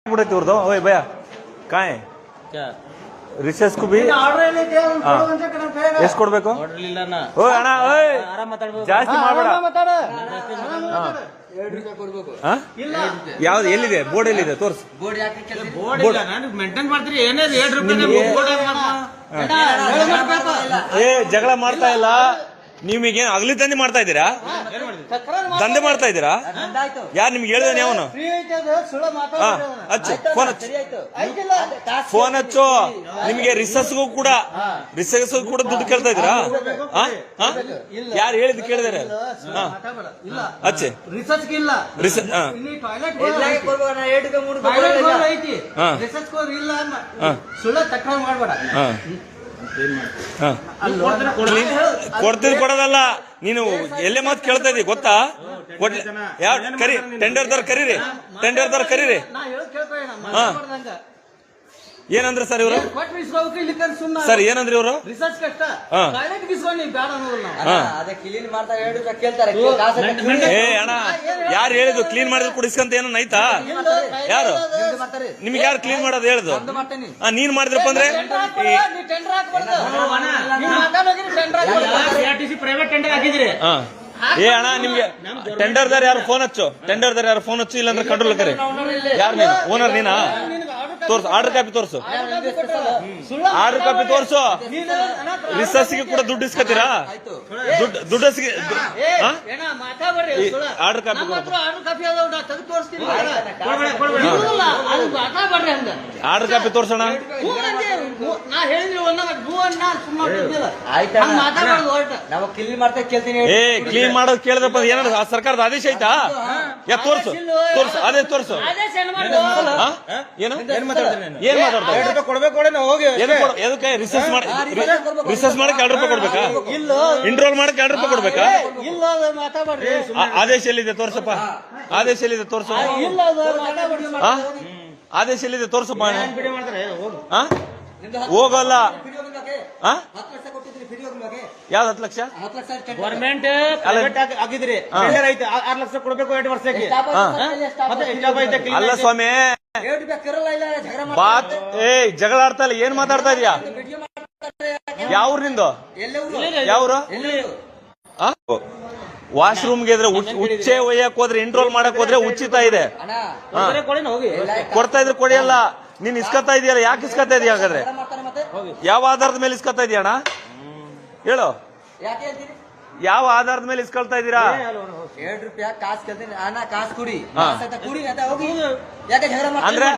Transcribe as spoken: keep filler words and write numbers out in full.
ओए भैया कहाँ है क्या रिसेस को भी ಎಷ್ಟು ಕೊಡಬೇಕು ಓ ಅಣ್ಣ ಓಯ್ ಜಾಸ್ತಿ ಮಾಡಬೇಡ ಯಾವ್ದು ಎಲ್ಲಿದೆ ಬೋರ್ಡ್ ಎಲ್ಲಿದೆ ತೋರ್ಸು ಏ ಜಗಳ ಮಾಡ್ತಾ ಇಲ್ಲ ನಿಮಗೆ ಅಗಲಿ ದಂಧೆ ಮಾಡ್ತಾ ಇದ್ದೀರಾ ದಂಧೆ ಮಾಡ್ತಾ ಇದ್ದೀರಾ ಯಾರು ನಿಮ್ಗೆ ಹೇಳಿದಾನೆ ಅವನು ಹಚ್ಚು ಫೋನ್ ಹಚ್ಚು ಫೋನ್ ಹಚ್ಚು ನಿಮ್ಗೆ ರಿಸಸ್ಗೂ ಕೂಡ ರಿಸಸ್ಗೂ ಕೂಡ ದುಡ್ಡು ಕೇಳ್ತಾ ಇದ್ದೀರಾ ಯಾರು ಹೇಳಿದ್ ಕೇಳಿದಾರೆ ಹಚ್ಚಿ ಕೊಡ್ತಿದ್ ಕೊಡೋದಲ್ಲ ನೀನು ಎಲ್ಲೇ ಮಾತು ಕೇಳ್ತಾ ಇದ್ದೀವಿ ಗೊತ್ತಾ ಯಾವ ಕರಿ ಟೆಂಡರ್ ದರ್ ಕರೀರಿ ಟೆಂಡರ್ ದರ್ ಕರೀರಿ ಹಾ ಏನಂದ್ರೆ ಸರ್ ಇವರು ಸರ್ ಏನಂದ್ರೆ ಇವರು ಏ ಅಣ್ಣ ಯಾರು ಹೇಳಿದ್ರು ಕ್ಲೀನ್ ಮಾಡಿದ್ರು ಕುಡಿಸ್ಕಂತ ಏನೋ ಐತಾ ಯಾರು ನಿಮ್ಗೆ ಯಾರು ಕ್ಲೀನ್ ಮಾಡೋದು ಹೇಳುದು ನೀನ್ ಮಾಡಿದ್ರಪ್ಪ ಅಂದ್ರೆ ಪ್ರೈವೇಟ್ ಟೆಂಡರ್ ಹಾಕಿದ್ರಿ ಏ ಅಣ್ಣ ನಿಮ್ಗೆ ಟೆಂಡರ್ ದಾರ ಯಾರು ಫೋನ್ ಹಚ್ಚು ಟೆಂಡರ್ ದಾರ ಯಾರು ಫೋನ್ ಹಚ್ಚು ಇಲ್ಲಾಂದ್ರೆ ಕಂಟ್ರೋಲ್ ಕರಿ ಯಾರು ನೀನು ಓನರ್ ನೀನಾ ತೋರ್ಸು ಆರ್ಡರ್ ಕಾಪಿ ತೋರ್ಸು ಆರ್ಡರ್ ಕಾಪಿ ತೋರ್ಸು ರಿಸರ್ಚ್ಗೆ ಕೂಡ ದುಡ್ಡು ಇಸ್ಕತ್ತೀರಾ ದುಡ್ಡು ದುಡ್ಡು ಆರ್ಡರ್ ಕಾಪಿ ಆರ್ಡರ್ ಕಾಪಿ ತೋರ್ಸೋಣ ಏ ಕ್ಲೀನ್ ಮಾಡೋದು ಕೇಳಿದ್ರಪ್ಪ ಏನಾದ್ರು ಸರ್ಕಾರದ ಆದೇಶ ಐತಾ ಯಾ ತೋರ್ಸು ತೋರ್ಸು ಅದೇ ತೋರ್ಸು ಏನು ಏನ್ ಮಾತಾಡ್ತಾರೆ ಎದಕ್ಕೆ ರಿಸರ್ಚ್ ಮಾಡಿ ರಿಸರ್ಚ್ ಮಾಡಕ್ಕೆ ಎರಡು ರೂಪಾಯಿ ಕೊಡ್ಬೇಕಾ ಇಂಟ್ರೋಲ್ ಮಾಡಕ್ಕೆ ಎರಡು ರೂಪಾಯಿ ಕೊಡ್ಬೇಕಾ ಆದೇಶ ಎಲ್ಲಿದೆ ತೋರ್ಸಪ್ಪ ಆದೇಶ ಎಲ್ಲಿದೆ ತೋರ್ಸು ಆದೇಶ ಎಲ್ಲಿದೆ ತೋರ್ಸಪ್ಪ ಹೋಗಲ್ಲ ಯಾವ್ದು ಹತ್ತು ಲಕ್ಷ ಗೌರ್ಮೆಂಟ್ ಆಗಿದ್ರಿ ಆರು ಲಕ್ಷ ಕೊಡ್ಬೇಕು ಎರಡು ವರ್ಷಕ್ಕೆ ಅಲ್ಲ ಸ್ವಾಮಿ ಬಾತ್ ಏ ಜಗಳ ಆಡ್ತಾ ಇಲ್ಲ ಏನ್ ಮಾತಾಡ್ತಾ ಇದೀಯಾ ಯಾವ್ರು ನಿಂದು ಯಾವ್ರು ವಾಶ್ರೂಮ್ಗೆ ಇದ್ರೆ ಉಚ್ಚೆ ಒಯ್ಯಕ್ ಹೋದ್ರೆ ಇಂಟ್ರೋಲ್ ಮಾಡಕ್ ಹೋದ್ರೆ ಉಚಿತ ಇದೆ ಕೊಡ್ತಾ ಇದ್ರೆ ಕೊಡಿಯಲ್ಲ ನೀನ್ ಇಸ್ಕತ್ತಾ ಇದೆಯಲ್ಲ ಯಾಕೆ ಇಸ್ಕತ್ತಾ ಇದೀಯ ಹಾಗಾದ್ರೆ ಯಾವ ಆಧಾರದ ಮೇಲೆ ಇಸ್ಕತ್ತಾ ಇದೀಯಣ್ಣ ಹೇಳು ಯಾವ ಆಧಾರದ ಮೇಲೆ ಇಸ್ಕೊಳ್ತಾ ಇದ್ದೀರಾ ಎರಡು ರೂಪಾಯಿ ಕಾಸು ಕೇಳ್ತೀನಿ ಅಣ್ಣ ಕಾಸು ಕುಡಿ ಅಂದ್ರೆ